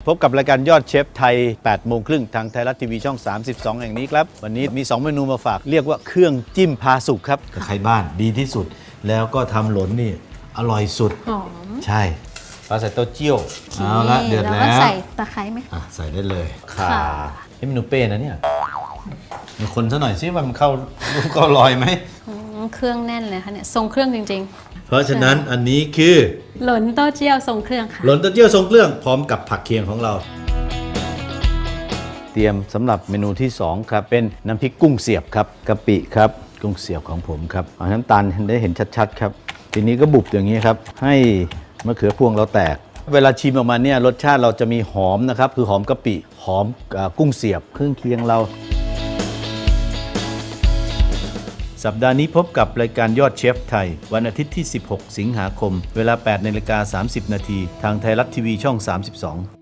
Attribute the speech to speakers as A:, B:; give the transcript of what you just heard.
A: พบกับรายการยอดเชฟไทย 8 โมงครึ่งทางไทยรัฐทีวีช่อง 32 แห่งนี้ครับ วันนี้มี 2 เมนูมาฝาก เรียกว่าเครื่องจิ้มพาสุกครับใครบ้านดีที่สุด แล้วก็ทำหลนนี่อร่อยสุด
B: หอม
A: ใช่ปลาใส่เต้าเจี้ยวเอาละเดือด
B: แล้ว
A: แล้
B: ก็
A: ว
B: ใส่ตะไคร้ไหมคะ
A: ใส่ได้เลยข่า
B: ค่ะ
A: เมนูเป้นะเนี่ยมีคนซะหน่อยสิว่ามันเข้าก็ลอยไหม
B: เครื่องแน่นเลยค่ะเนี่ยทรงเครื่องจริง
A: เพราะฉะนั้นอันนี้คือ
B: ๆ หลนเต้าเจี้ยวทรงเครื่องค่ะ
A: หลนเต้าเจี้ยวทรงเครื่องพร้อมกับผักเคียงของเรา เตรียมสำหรับเมนูที่ 2 ครับ เป็นน้ำพริกกุ้งเสียบครับกะปิครับกุ้งเสียบของผมครับเอาน้ำตาลได้เห็นชัดๆครับทีนี้ก็บุบอย่างนี้ครับให้มะเขือพวงเราแตก เวลาชิมออกมาเนี่ยรสชาติเราจะมีหอมนะครับคือหอมกะปิหอมกุ้งเสียบเครื่องเคียงเรา สัปดาห์นี้พบกับรายการยอดเชฟไทยวันอาทิตย์ที่ 16 สิงหาคม เวลา 8:30 น. ทางไทยรัฐทีวีช่อง 32